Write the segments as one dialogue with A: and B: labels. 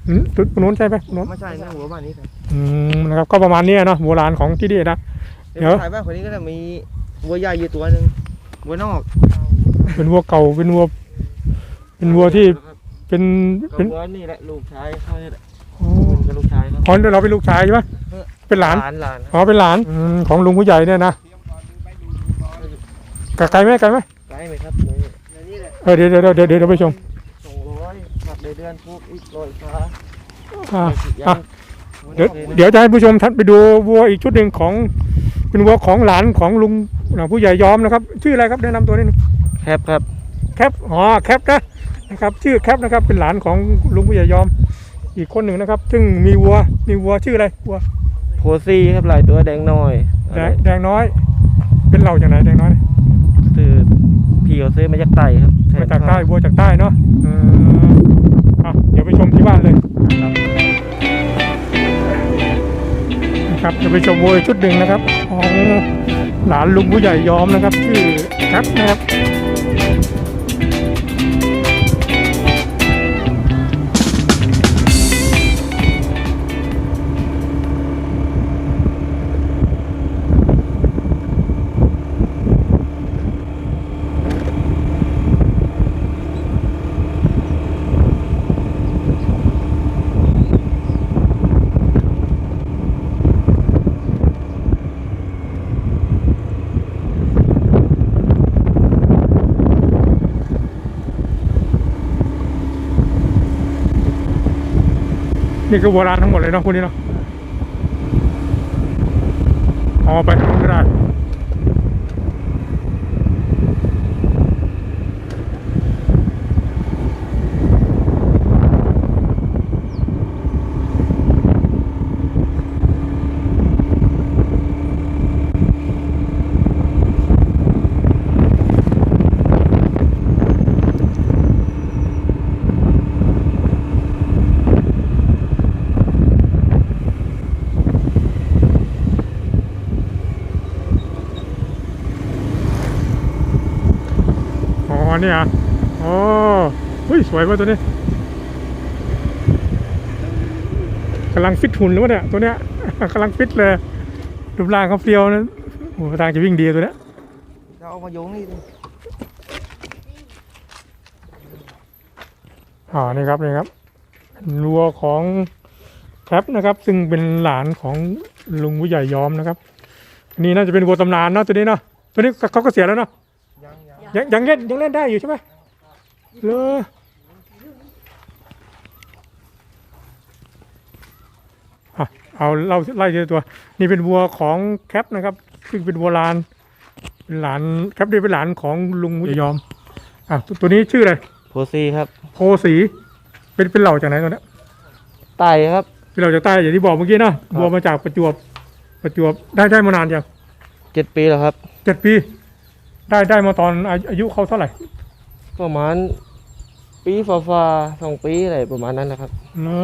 A: ตัวนู้นใช่ไหมตัวนู้น
B: ไม่ใช่นะหัวบ้านนี้ครับ
A: นะครับก็ประมาณนี้เนาะโบราณของที่นี่นะเดี๋ยว
B: ถ่ายบ้านคนนี้ก็จะมีวัวใหญ่อยู่ตัวหนึ่งวัวนอก
A: เป็นวัวเก่าเป็นวัวที่เป็น
B: วัวนี่แหละลูกชายเขาเนี่ยแหละ
A: อ๋อ
B: เป็นลูกชายเขา
A: อ๋อเราเป็นลูกชายใช่ไหมเป็นหลาน
B: หลาน
A: อ๋อเป็นหลานของลุงผู้ใหญ่เนี่ยนะไกลไหม
B: ไกลไหมครับนี่แหละ
A: เดี๋ยวไปชม
B: 200ผักเดือนพวกอีก100ฟ้า
A: เดี๋ยวจะให้ผู้ชมท่านไปดูวัวอีกชุดหนึ่งของเป็นวัวของหลานของลุงผู้ใหญ่ยอมนะครับชื่ออะไรครับแนะนำตัวนิดนึง
B: แคปครับ
A: แคปแคปนะครับชื่อแคปนะครับเป็นหลานของลุงผู้ใหญ่ยอมอีกคนหนึ่งนะครับซึ่งมีวัวชื่ออะไรวัว
B: โพซี่ครับหลายตัวแดงน้อย
A: แดงน้อยเป็นเหล่าจากไหนแดงน้อย
B: คือพี่เขาซื้อมาจากไต่ครับ
A: มาจากใต้วัวจากใต้เนาะเดี๋ยวไปชมที่บ้านเลยนะครับจะไปชมวัวชุดหนึ่งนะครับของหลานลุงผู้ใหญ่ยอมนะครับชื่อแคปนะครับนี่คือโบราณทั้งหมดเลยเนาะพวกนี้เนาะเอาไปก็ได้นี่อ่ะเฮ้ยสวยว่ะตัวนี้กำลังฟิตหุ่นหรือวะเนี่ยตัวเนี้ยกำลังฟิตเลยรูปร่างเขาเฟี้ยวนะโอ้ทางจะวิ่งดีตัวเนี้ย
B: เราเอามาโยงนี่ดิ
A: นี่ครับวัวของแคปนะครับซึ่งเป็นหลานของลุงผู้ใหญ่ยอมนะครับอันนี้น่าจะเป็นวัวตำนานเนาะตัวนี้เนาะตัวนี้เขาก็เสียแล้วเนาะยังเล่นได้อยู่ใช่ไหมเลยเอาเราไล่ทีละตัวนี่เป็นวัวของแคปนะครับซึ่งเป็นวัวลานเป็นหลานแคปนี่เป็นหลานของลุงผู้ใหญ่ยอมตัวนี้ชื่ออะไร
B: โพซี่ครับ
A: โพสีเป็นเหล่าจากไหนตัวนี้
B: ไต่ครับ
A: เป็นเหล่าจากใต้อย่างที่บอกเมื่อกี้นะวัวมาจากประจวบได้มานานยัง
B: 7 ปีแล้วครับ
A: 7 ปีได้มาตอนอายุเขาเท่าไหร่
B: ประมาณปีฝ่า2 ปีอะไรประมาณนั้นนะครับ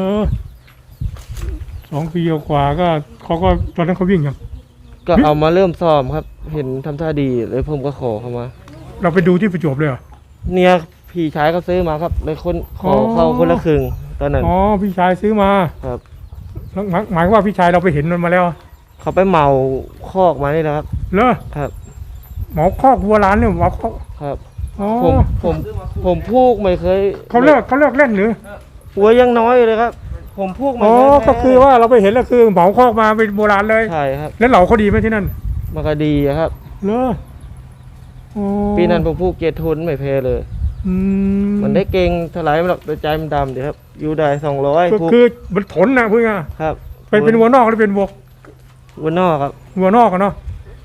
A: 2 ปีกว่าก็เขาก็ตอนนั้นเขาวิ่งยัง
B: ก็เอามาเริ่มซ้อมครับเห็นทำท่าดีเลยผมก็ขอเข้ามา
A: เราไปดูที่ประจวบเลยเหรอ
B: เนี่ยพี่ชายเขาซื้อมาครับเลยขอเข้าคนละครึ่งตอนนั้น
A: พี่ชายซื้อมา
B: ครับ
A: หมายว่าพี่ชายเราไปเห็นมันมาแล้ว
B: เขาไปเหมาคอกมานี่นะครับ
A: เหรอ
B: ครับ
A: หมอคอกวัวร้านเนี่ยหมอคอก
B: ครับผมพูกไม่เคย
A: เขาเลิกเล่นหรือ
B: วัวยังน้อยเลยครับผมพูกไม่เคย
A: ก็คือว่าเราไปเห็นแล้วคือเหมาคอกมาเป็นโบราณเลย
B: ใช่ครับ
A: แล้วเหล่าเขาดีไหมที่นั่น
B: มันก็ดีครับ
A: เหรอ
B: ปีนั้นผมพูกเกียรติทุนไม่แพ้เลยมันได้เก่งเท่าไหร่หรอกแต่ใจมันดำเดี๋ยวครับอยู่ได้200
A: ก็คือมันทนนะเพื่อน
B: ครับ
A: เป็นวัวนอกหรือเป็น
B: วัวนอกครับ
A: วัวนอกกันเนาะ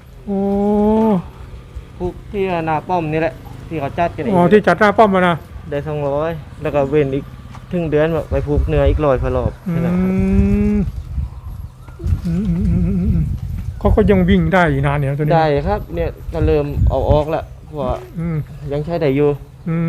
B: พวกที่หน้าป้อมนี่แหละที่เขาจัดกัน
A: ที่จัดหน้าป้อมมานะ
B: ได้200แล้วก็เว้นอีกถึงเดือนไปผูกเนื้ออีก100 พอรอบ
A: เขาก็ยังวิ่งได้อยู่นานเนี่ยตัวนี้
B: ได้ครับเนี่ยก็เริ่มเอาออกแล้วเพราะยังใช้ได้อยู่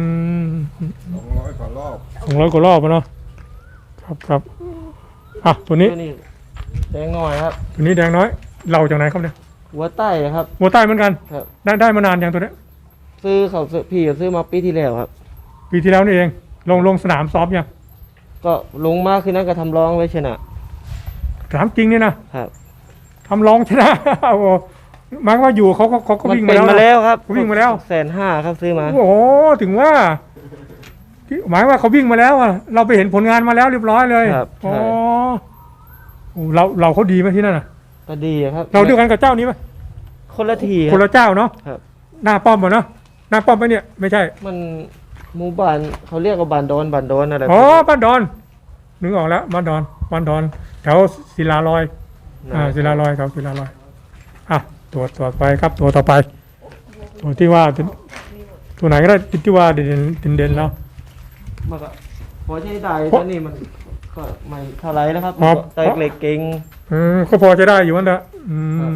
A: 200 กว่ารอบเนาะครับตัวนี้
B: แดงน้อยครับ
A: ตัวนี้แดงน้อยเราจากไหนครับเนี่ย
B: วัวใต้ครับ
A: วัวใต้เหมือนกันได้มานานอย่างตัวนี้
B: พี่ซื้อมาปีที่แล้วครับ
A: ปีที่แล้วนี่เองลงสนามซ้อมยัง
B: ก็ลงมาคืนนั้นก็ทำร้องไว้ชนะ
A: ถามจริงนี่นะครับ ทำร้องชนะ โอ้โหหมายความว่าอยู่เขาก็
B: มัน
A: วิ่ง
B: เป็
A: มาน
B: มา
A: แล้ว
B: แล้วครับ
A: วิ่งมาแล้ว
B: 150,000ครับซื้อมา
A: โอ้โหถึงว่าหมายว่าเขาวิ่งมาแล้วอะเราไปเห็นผลงานมาแล้วเรียบร้อยเลย
B: ครับ
A: อ๋อ
B: ใช่
A: โอ้เราเขาดีไหมที่นั่นน่ะ
B: ก็ดีครับ
A: เราด้วยกันกับเจ้านี้ไหม
B: คนละที
A: คนละเจ้าเนาะ
B: ครับ
A: หน้าป้อมเหรอเนาะหน้าป้อมไหมเนี่ยไม่ใช่
B: มันหมู่บ้านเขาเรียกว่าบ้านดอนอะไร
A: อ๋อบ้านดอนนึกออกแล้วบ้านดอนแถวศิลาลอยศิลาลอยครับศิลาลอยอ่ะตัวไปครับตัวต่อไป ตัวที่ว่าตัวไหนก็ได้ที่ว่าเด่นแล้ว
B: มันก็พอใช้ได้
A: เพราะ
B: ตอนนี้มันก็ไม่เท่าไรแล้วครับ
A: ครับ
B: แต่เล็กเก่ง
A: ก็พอจะได้อยู่นั่นแหละ
B: ครับ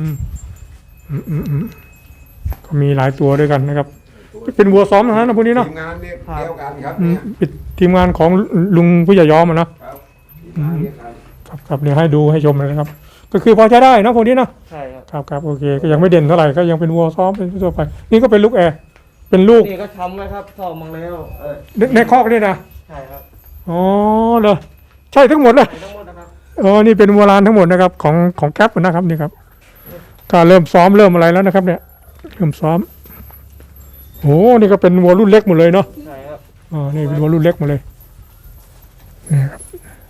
A: ก็มีหลายตัวด้วยกันนะครับ เป็นวัวซ้อมทั้งนั้นนะพวกนี้เนาะ
C: ทีมงานเนี่ยเดียวกันครับ
A: เป็นทีมงานของลุงผู้ใหญ่ยอมอะเนาะ
C: ครับทีมงานเดียวกัน
A: ครับเดี๋ยวให้ดูให้ชมเลยนะครับ ก็คือพอใช้ได้นะพวกนี้เนาะ
B: ใช่ครับ
A: ครับโอเคก็ยังไม่เด่นเท่าไหร่ก็ยังเป็นวัวซ้อมเป็นทั่วไป นี่ก็เป็นลูกแอร์เป็นลูก
B: นี่ก็ทำไว้ครับซ่อมมาแล้ว
A: ในคอกนี่นะ
B: ใช่ครับ
A: อ๋อเหรอใช่ทั้งหมดเลย
B: ใส่ทั้งหมดนะครับ
A: อ๋อนี่เป็นวัวลานทั้งหมดนะครับของแก๊ปนะครับนี่ครับก็เริ่มซ้อมเริ่มอะไรแล้วนะครับ เนี่ยเริ่มซ้อมโอ้นี่ก็เป็นวัวรุ่นเล็กหมดเลยเนาะ
B: ใช่ครับ
A: อ๋อนี่เป็นวัวรุ่นเล็กหมดเลยนี่ครับ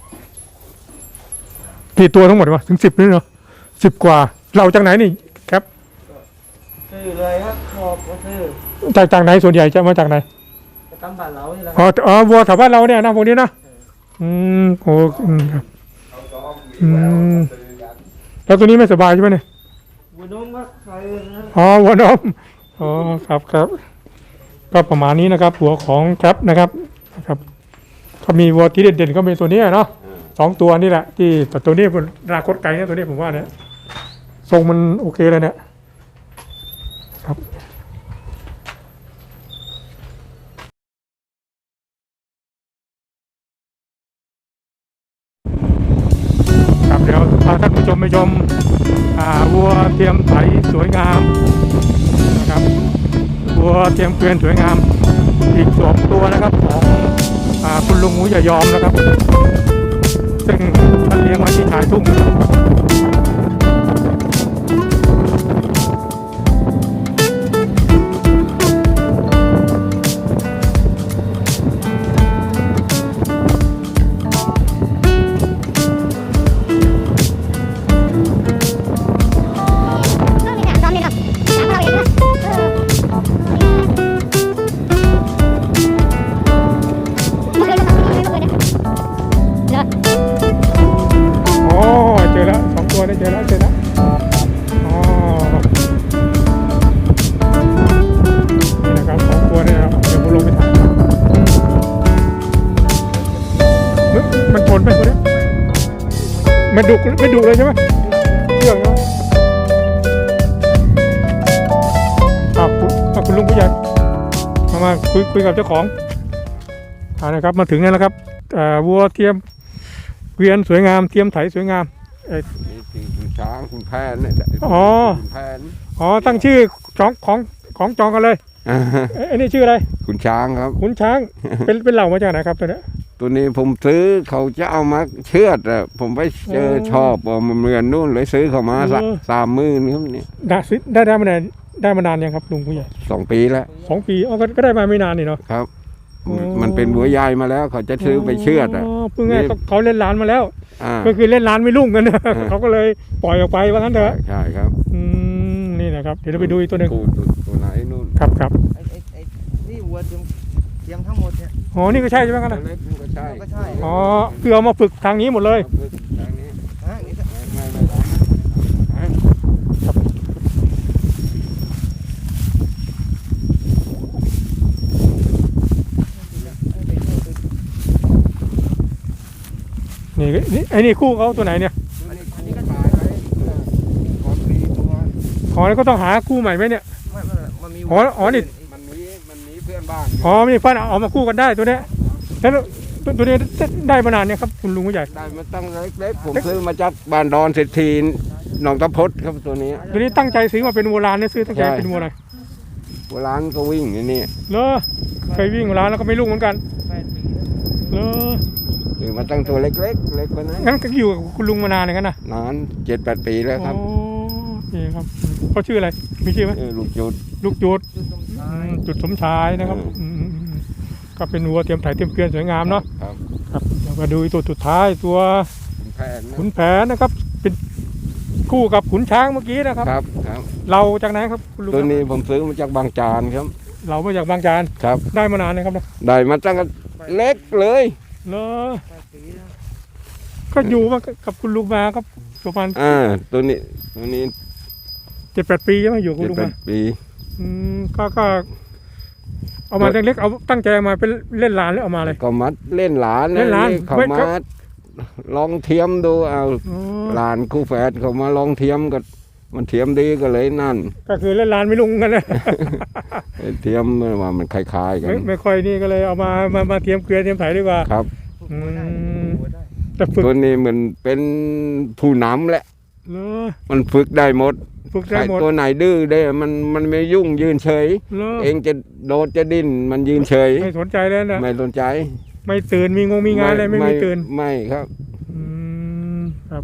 A: กี่ตัวทั้งหมดวะถึง10นี่เนาะ10 กว่าเราจากไหนนี่แก๊ป
B: ซื้อเลยครับชอบก็ซื้อ
A: จากไหนส่วนใหญ่จะมาจากไหน
B: ไปตามบ้านเรานี่แหละค
A: อ๋
B: รับ
A: อวัวแถวบ้านเราเนี่ยนะพวกนี้นะโอ้ครับ
C: เขาซ้อมมีแววซื้อกัน
A: แล้วตัวนี้ไม่สบายใช่ไหมเนี่ย
B: บุญน้องก็ใส่นะ
A: อ๋อวัวนมอ๋อครับก็ประมาณนี้นะครับหัวของแคปนะครับก็มีวัวที่เด่นๆก็เป็นตัวนี้เนาะ2 ตัวนี่แหละที่แต่ตัวนี้เป็นอนาคตไกลนะตัวนี้ผมว่าเนี่ยทรงมันโอเคเลยเนี่ยครับครับเดี๋ยวพาท่านผู้ชมไปชมวัวเทียมไถสวยงามนะครับวัวเทียมเกวียนสวยงามอีก2 ตัวนะครับของคุณลุงหมูอย่ายอมนะครับซึ่งท่านเลี้ยงไว้ที่ชายทุ่งโอ้เจอแล้ว2 ตัวได้เจอแล้วอ๋อนี่นะครับ2 ตัวนี่นะครับเดี๋ยวผมลงไปถ่ายเฮ้ยมันชนไหมตัวนี้ไม่ดุเลยใช่ไหมเชื่องเนาะคุณลุงผู้ใหญ่มาคุยกับเจ้าของนะครับมาถึงแล้วนะครับวัวเทียมเกวียนสวยงามเทียมไถสวยงาม
C: นี่คือคุณช้างคุณแพนเนี่ย
A: อ๋อ
C: คุณแพน
A: อ๋อตั้งชื่อของจองกันเลยไอ้นี่ชื่ออะไร
C: คุณช้างครับ
A: ขุนช้าง เป็นเหล่ามาจากไหนครับตัวเนี้ย
C: ตัวนี้ผมซื้อเขาจะเอามาเชือดอะผมไปเจอ
A: อ๋อ
C: ชอบว่ามันเหมือนนู่นเลยซื้อเขามา30,000ครับนี่
A: ได้มานานยังครับลุงผู้ใหญ่
C: 2 ปีแล้ว
A: 2 ปีอ๋อก็ได้มาไม่นานนี่เนาะ
C: ครับ
A: อ๋อ
C: มันเป็นบัวใหญ่มาแล้วเขาจะซื้อไปเชือดอะ
A: เพิ่งไงเขาเล่นร้านมาแล้ว
C: อ่า
A: ก็คือเล่นร้านไม่รุ่งกันนะเขาก็เลยปล่อยออกไปว่างั้นเถอะ
C: ใช่ครับ
A: นี่นะครับเดี๋ยวเราไปดูอีกตัวหนึ่ง
C: ตัวไหนนู่น
A: ครับ
B: ไอ้นี่วัวเตรียมทั้งหมดเนี่ย
A: อ๋อนี่ก็ใช่ใช่ไหมกัน
C: ตัว
A: นะ
C: เล็กนี่ก็ใช่
B: ก็ใช่
A: อ๋อคือเอามาฝึกทางนี้หมดเลย
C: ทางนี้
B: นี่ก็
C: ไม่
A: นี่ไอ้นี่คู่เขาตัวไหนเนี่ย
C: อันนี้ก็ตายไปก่อนปีตัว
A: อ๋อแล้วก็ต้องหาคู่ใหม่ไหมเนี่ย
B: มันมี
A: อ๋อนี่
C: มันมีเพื่อนบ้าน
A: อ๋อมีเพื่อนเอามาคู่กันได้ตัวเนี้ยแล้วตัวนี้ได้มานานเนี่ยครับคุณลุงผู้ใหญ่
C: ได้มาตั้งเล็กๆผมซื้อมาจากบ้านดอนเศรษฐีหนองตะพดครับตัวนี้
A: ตัวนี้ตั้งใจซื้อมาเป็นโบราณเนี่ยซื้อตั้งใจ
C: ใช่
A: เป็นโบราณ
C: โบราณก็วิ่งอย่างนี้
A: เหรอเคยวิ่งโบราณแล้วก็ไม่รุ่งเหมือนกัน
B: 8 ปี
A: เหรอ
C: ซื้อมาตั้งตัวเล็กๆเล็กกว่านั้น
A: งั้นก็อยู่กับคุณลุงมานานเลยกันนะ
C: นาน7-8 ปีแล้วครับ
A: โอ้นี่ครับเขาชื่ออะไรมีชื่อไหม
C: ลูกจุด
A: ลูกจุดจุดสมชายนะครับก็เป็นวัวเทียมไถเทียมเกวียนสวยงามเนาะ
C: ครับ
A: ครับแล้วก็ดูตัวสุดท้ายตัว
C: ขุนแผนนะ
A: ขุนแผนนะครับ เป็นคู่กับขุนช้างเมื่อกี้นะครับ
C: ครับครับ
A: เราจากไหนครับคุณลุง
C: ตัวนี้ผมซื้อมาจากบางจานครับ
A: เรามาจากบางจาน
C: ครับ
A: ได้มานานเลยครับนะ
C: ได้มาตั้งแต่เล็กเลย
A: เลอก็อยู่มากับคุณลุงมาครับประมาณ
C: ตัวนี้
A: 7-8 ปีใช่ไหมอยู่กับคุณลุงมา
C: 7-8 ปี
A: ก็เอามาเล็กๆเอาตั้งใจเอามาเป็นเล่นหลานหรือเอามาเลย
C: ก็มาเล่นหลาน
A: เล่นหลาน
C: เขา
A: ไม่
C: มา
A: ครับ
C: ลองเทียมดูเอา
A: อ๋อ
C: หลานคู่แฝดเขามาลองเทียมก็มันเทียมดีก็เลยนั่น
A: ก็คือเล่นหลานไม่ลุงกันนะ
C: เทียมว่ามันคล้ายๆกัน
A: ไม่ค่อยนี่ก็เลยเอามาเทียมเกวียนเทียมไถดีกว่า
C: ครับ
A: อืมแต่ฝึก
C: ตัวนี้เหมือนเป็นผู้นำแหละ
A: เนอะ
C: มันฝึกได้หมด
A: ฝึก
C: ใค
A: ได้
C: ร
A: หมด
C: ตัวไหนดื้อได้มันไม่ยุ่งยืนเฉย
A: เนอะ
C: เองจะโดดจะดิ้นมันยืนเฉย
A: ไม่สนใจแล้วนะ
C: ไม่สนใจ
A: ไม่ตื่นมีงานอะไรไม่ตื่น
C: ไม่ครับ
A: อืมครับ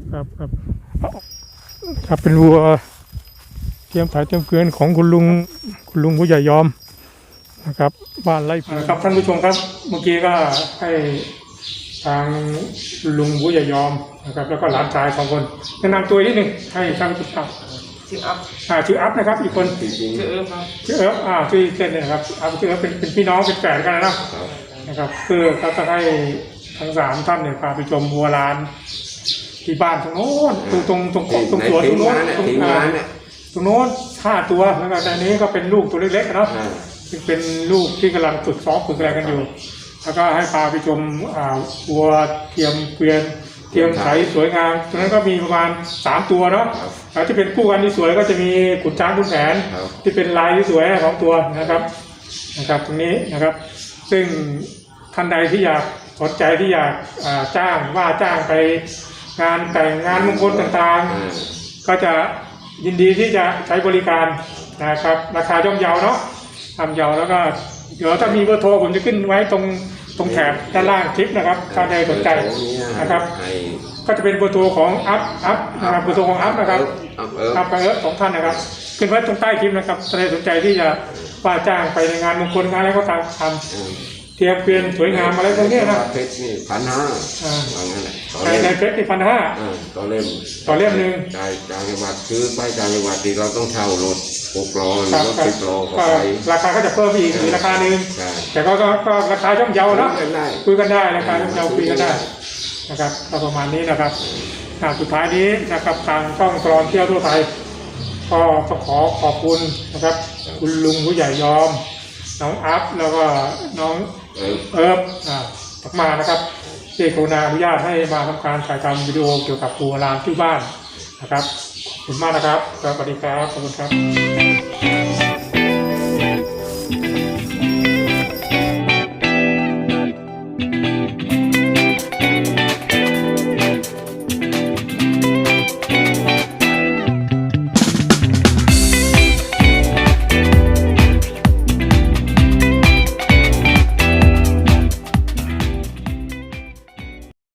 A: ครับเป็นวัวเทียมไถเทียมเกวียนของคุณลุงผู้ใหญ่ยอมนะครับบ้านไร่ครับท่านผู้ชมครับ เมื่อกี้ก็ให้ทางลุงผู้ใหญ่ยอมนะครับ แล้วก็หลานชาย2 คนแนะนำตัวนิดหนึ่งให้ท่านผู้ชม
B: ชื่ออัพ
A: ชื่ออัพนะครับ อีกคน
B: ชื่อเอิร์ฟครับ
A: ชื่อเอิร์ฟชื่อเล่นเนี่ยนะครับอัพชื่อเอิร์ฟเป็นพี่น้องเป็นแฝดกันนะครับคือเขาจะให้ทั้ง3 ท่านเนี่ยพาไปชมวัวลานที่บ้านตรงโน้นตรงสวนตรงโน้นตรงโน้น5 ตัวแล้วก็ในนี้ก็เป็นลูกตัวเล็กๆเนาะซึ่งเป็นลูกที่กำลังฝึกซ้อมฝึกอะไรกันอยู่ แล้วก็ให้พาไปชมวัวเทียมเกวียนเทียมไถสวยงามตรงนั้นก็มีประมาณ3 ตัวเนาะแล้วที่เป็นคู่กันที่สวยก็จะมีขุนช้างขุนแผนที่เป็นลายที่สวยของตัวนะครับตรงนี้นะครับ ซึ่งท่านใดที่อยากสนใจที่อยากจ้างไปงานแต่งงานมงคลต่างๆก็จะยินดีที่จะใช้บริการนะครับราคาย่อมเยาเนาะทำเยาแล้วก็เดี๋ยวถ้ามีเบอร์โทรผมจะขึ้นไว้ตรงแถบด้านล่างคลิปนะครับถ้าใดสนใจนะครับก็จะเป็นเบอร์โทรของอัพนะครับเบอร์โทรของอัพนะครับอัพกับเอิร์ธ2 ท่านนะครับขึ้นไว้ตรงใต้คลิปนะครับถ้าใดสนใจที่จะว่าจ้างไปในงานมงคลงานอะไรก็ตามทำเทียมเกวียนสวยงามอะไรพวกนี้นะ
C: เพชรนี่1,500ว่างั้นแหละ
A: ในเพชรนี่1,500
C: ต่อเล่ม
A: ต่อเล่มหนึ่ง
C: จ่ายต่างจังหวัดซื้อไปต่างจังหวัดที่เราต้องเช่ารถ6 ล้อหรือรถ10 ล้อเข้า
A: ก็
C: ไป
A: ราคาก็จะเพิ่มอีกราคาหนึ่ง
C: ใช่
A: แต่ก็ราคาย่อมเยาเนาะ
C: ได้
A: คุยกันได้ราคาย่อมเยาคุยกันได้นะครับก็ประมาณนี้นะครับสุดท้ายนี้นะครับทางช่องตลอดเที่ยวทั่วไทยก็ต้องขอบคุณนะครับคุณลุงผู้ใหญ่ยอมน้องอัพแล้วก็น้องเอิร์ฟมานะครับที่กรุณาอนุญาตให้มาทำการถ่ายทำวิดีโอเกี่ยวกับวัวลานที่บ้านนะครับขอบคุณมากนะครับสวัสดีครับขอบคุณครับ